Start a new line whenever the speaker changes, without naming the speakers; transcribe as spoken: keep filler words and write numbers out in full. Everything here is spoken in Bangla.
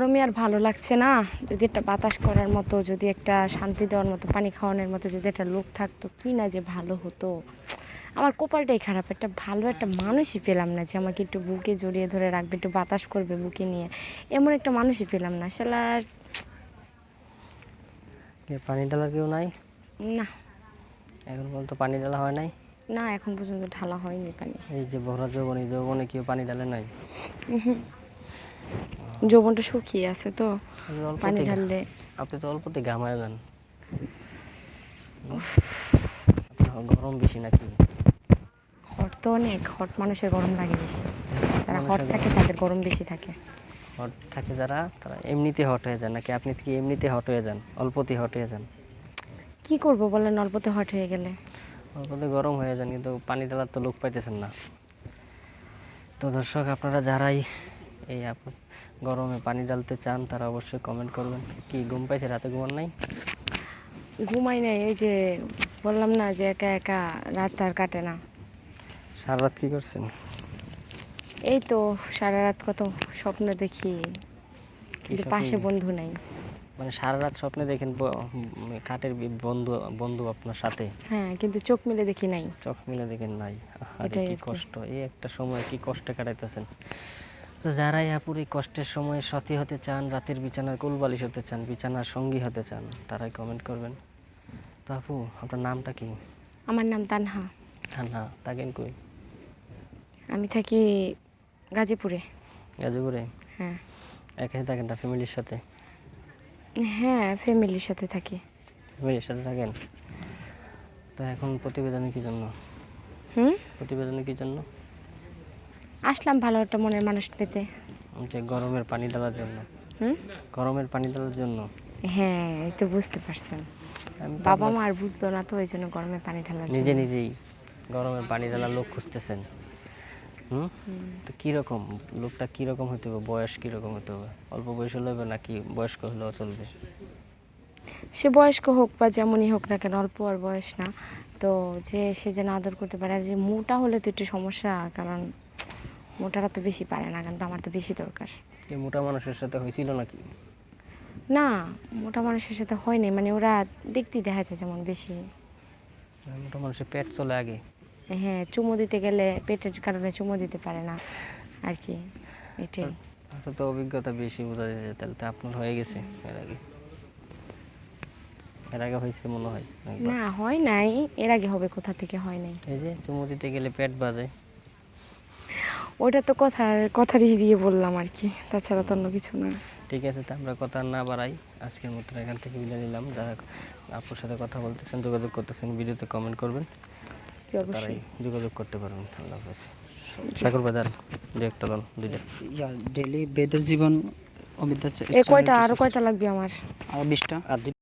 গরমে আর ভালো লাগছে না। যদি একটা বাতাস করার মতো, যদি একটা শান্তি দেওয়ার মতো, পানি খাওয়ানোর মতো যদি একটা লোক থাকতো, কি না যে ভালো হতো। আমার কপালটাই খারাপ, একটা ভালো একটা মানুষই পেলাম না যে আমাকে একটু বুকে জড়িয়ে ধরে রাখবে, একটু বাতাস করবে বুকে নিয়ে। এমন একটা মানুষই পেলাম না শালার।
পানি ঢালার কেউ নাই?
না
এখন পর্যন্ত পানি ঢালা হয় নাই?
না, এখন পর্যন্ত ঢালা হয়নি পানি।
এই যে ভরা যৌবনে, যৌবনে কেউ পানি ঢালে নাই?
যৌবনটা শুকিয়ে আছে তো, পানি
অল্পতে
ঢাললে।
আপনি তো অল্পতে ঘামায় যান। আপনার গরম বেশি নাকি?
হট তো অনেক, হট মানুষের গরম লাগে বেশি। যারা হট
মানুষের
থাকে তাদের গরম বেশি থাকে।
হট থাকে যারা, তারা এমনিতে হট হয়ে যান নাকি আপনি কি এমনিতে হট হয়ে যান, অল্পতে হট হয়ে যান?
কি করব বলেন, অল্পতে হট হয়ে গেলে?
অল্পতে গরম হয়ে যান, কিন্তু পানি ঢালার তো লোক পাইতেছেন না। তো দর্শক, আপনারা যারাই এই আপ- গরমে পানি ঢালতে চান তারা অবশ্যই কমেন্ট করবেন। কি ঘুম পাইছে, রাতে ঘুমান নাই?
ঘুমাই নাই, এই যে বললাম না যে একা একা রাত আর কাটে না।
সারা রাত কী করছেন?
এই তো সারা রাত কত স্বপ্ন দেখি, কিন্তু
স্বপ্ন
পাশে
দেখেন?
বন্ধু নাই।
মানে সারা রাত স্বপ্নে দেখেন ব- উম, কাঠের বি- বন্ধু বন্ধু আপনার সাথে,
হ্যাঁ, কিন্তু চোখ মিলে দেখি নাই।
চোখ মিলে দেখেন নাই? আরে
এটাই
কি
আর কি।
কষ্ট, এই একটা সময় কি কষ্টে কাটাইতেছেন। তো যারাই আপুর এই কষ্টের সময় সাথী হতে চান, রাতের বিছানার কোলবালিশ হতে চান, বিছানার সঙ্গী হতে চান, তারাই কমেন্ট করবেন। তো আপু, আপনার নামটা কি?
আমার নাম তানহা।
হ্যাঁ না, থাকেন কই?
আমি থাকি গাজীপুরে।
গাজীপুরে?
হ্যাঁ
একাই থাকেন না ফ্যামিলির সাথে?
হ্যাঁ, ফ্যামিলির সাথে থাকি।
ফ্যামিলির সাথে থাকেন। তো এখন প্রতিবেদনে কি জন্য?
হুম,
প্রতিবেদনে কি জন্য?
আসলাম ভালো একটা মনের মানুষ পেতে।
যে গরমের পানি ঢালার জন্য?
হুম,
গরমের পানি ঢালার জন্য?
হ্যাঁ, এই তো বুঝতে পারছেন।
আমি তো
বাবা
আপনার
মা আর বুঝতো না, তো ওই জন্য গরমে পানি ঢালার
নিজে
জন্য।
নিজেই গরমের পানি ঢালার লোক খুঁজতেছেন। হুম, তো কীরকম লোকটা, কীরকম হতে হবে, বয়স কীরকম হতে হবে? অল্প বয়স হলে হবে নাকি বয়স্ক হলেও চলবে?
সে বয়স্ক হোক বা যেমনই হোক না কেন, অল্প আর বয়স না তো, যে সে যেন আদর করতে পারে। আর যে মোটা হলে তো একটু সমস্যা, কারণ মোটারা তো বেশি পারে না, কিন্তু আমার তো বেশি দরকার।
এই মোটা মানুষের সাথে হয়েছিল নাকি?
না, মোটা মানুষের সাথে হয়নি, মানে ওরা দেখতেই দেখা যায় যেমন বেশি।
মোটা মানুষের পেট চলে আগে।
হ্যাঁ, চুমো দিতে গেলে পেটের কারণে চুমো দিতে পারে না আর কি, এটাই।
আপনার তো অভিজ্ঞতা বেশি, বোঝা যায়। তাহলে তো আপনার হয়ে গেছে এর আগে? এর আগে হয়েছে মনে হয় একবার।
না, হয় নাই, এর আগে হবে কোথা থেকে, হয় নাই।
এই যে চুমু দিতে গেলে পেট বাজে।
ওটা তো কথার কথারই দিয়ে বললাম আর কি, তাছাড়া তো অন্য কিছু না।
ঠিক আছে, তো আমরা কথা আর না বাড়াই, আজকের মতো এখান থেকে বিদায় নিলাম। যারা আপুর সাথে কথা বলতেছেন, যোগাযোগ করতেছেন, ভিডিওতে কমেন্ট করবেন,
জি,
তারাই
অবশ্যই।
যোগাযোগ করতে পারবেন। আল্লাহ হাফেজ। সাগর বাজার দেখতে লন দুইটা।
ডেইলি বেদের জীবন অমিতা
এ কয়টা, আরো কয়টা লাগবে আমার?
আর বিশটা
আর